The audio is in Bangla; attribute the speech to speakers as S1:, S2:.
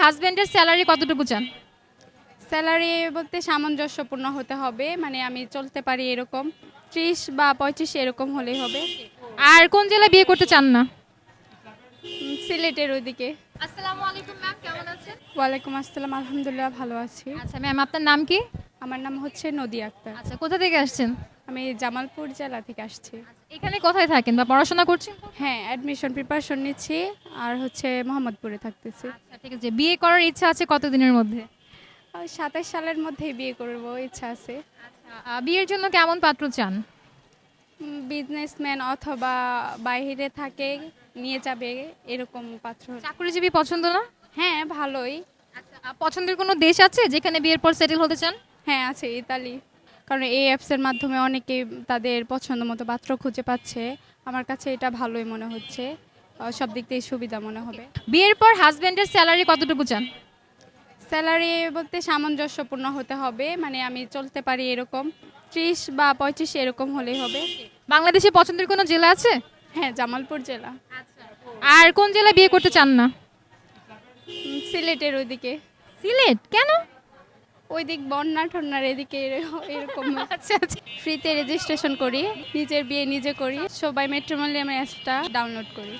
S1: হাজবেন্ডের স্যালারি কতটুকু চান?
S2: স্যালারি বলতে সামঞ্জস্যপূর্ণ হতে হবে, মানে আমি চলতে পারি এরকম 30 বা 35 এরকম হলেই হবে।
S1: আর কোন জেলায় বিয়ে করতে চান না?
S2: সিলেটের ওইদিকে।
S1: আসসালামু আলাইকুম ম্যাম, কেমন আছেন?
S2: ওয়ালাইকুম আসসালাম, আলহামদুলিল্লাহ ভালো আছি।
S1: আচ্ছা ম্যাম, আপনার নাম কি?
S2: আমার নাম হচ্ছে নদী আক্তার।
S1: আচ্ছা, কোথা থেকে আসছেন?
S2: আমি জামালপুর জেলা থেকে আসছি।
S1: এখানে কোথায় থাকেন বা পড়াশোনা করছেন?
S2: হ্যাঁ, অ্যাডমিশন প্রিপারেশন নিচ্ছি আর হচ্ছে মোহাম্মদপুরে থাকতেছি।
S1: আচ্ছা ঠিক আছে, বিয়ে করার ইচ্ছা আছে কতদিনের মধ্যে?
S2: 27 সালের মধ্যেই বিয়ে করব ইচ্ছা আছে।
S1: বিয়ের জন্য কেমন পাত্র চান?
S2: বিজনেসম্যান অথবা বাইরে থাকে, নিয়ে যাবে এরকম পাত্র।
S1: চাকরিজীবী পছন্দ না?
S2: হ্যাঁ, ভালোই।
S1: আচ্ছা, পছন্দের কোনো দেশ আছে যেখানে বিয়ের পর সেটেল হতে চান?
S2: হ্যাঁ, আছে ইতালি। কারণ এই অ্যাপসের মাধ্যমে অনেকেই তাদের পছন্দ মতো পাত্র খুঁজে পাচ্ছে। আমার কাছে এটা ভালোই মনে হচ্ছে, সব দিক থেকে সুবিধা মনে হবে।
S1: বিয়ের পর হাজবেন্ডের স্যালারি কতটুকু চান?
S2: স্যালারি বলতে সামঞ্জস্যপূর্ণ হতে হবে, মানে আমি চলতে পারি এরকম 30 বা 35 এরকম হলেই হবে।
S1: বাংলাদেশে পছন্দের কোনো জেলা আছে?
S2: হ্যাঁ, জামালপুর জেলা।
S1: আর কোন জেলায় বিয়ে করতে চান না?
S2: সিলেটের ওইদিকে।
S1: সিলেট কেন?
S2: ওই দিক বন্যা ঠন্যার এদিকে এরকম।
S1: আচ্ছা আচ্ছা।
S2: ফ্রিতে রেজিস্ট্রেশন করি, নিজের বিয়ে নিজে করি, সবাই ম্যাট্রিমোনিয়াল অ্যাপসটা ডাউনলোড করি।